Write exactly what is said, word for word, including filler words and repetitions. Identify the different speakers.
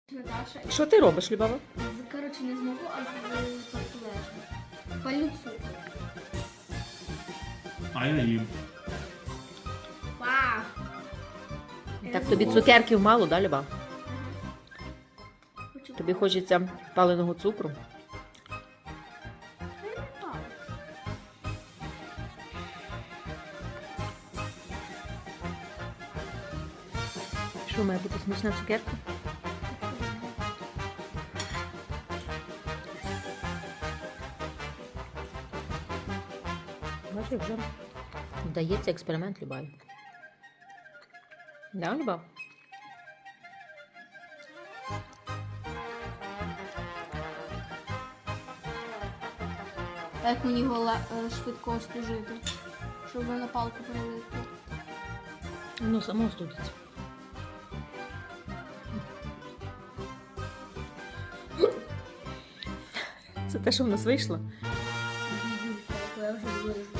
Speaker 1: Наташа.
Speaker 2: Що ти робиш, Любава?
Speaker 1: Коротше, не змогу, а полежу. Палю цукор.
Speaker 3: А я їм.
Speaker 1: Вау!
Speaker 2: Так тобі цукерків мало, да, Люба?
Speaker 1: Хочу
Speaker 2: Тобі хочеться паленого цукру?
Speaker 1: палець.
Speaker 2: Що має бути смачна цукерка? Бачиш, вже вдається експеримент, Любаві. Да, Люба?
Speaker 1: Як мені його ле- е, швидко остужити, щоб на палку перелити.
Speaker 2: Ну, само остудиться. Це те, що в нас вийшло?
Speaker 1: Я вже виріжу.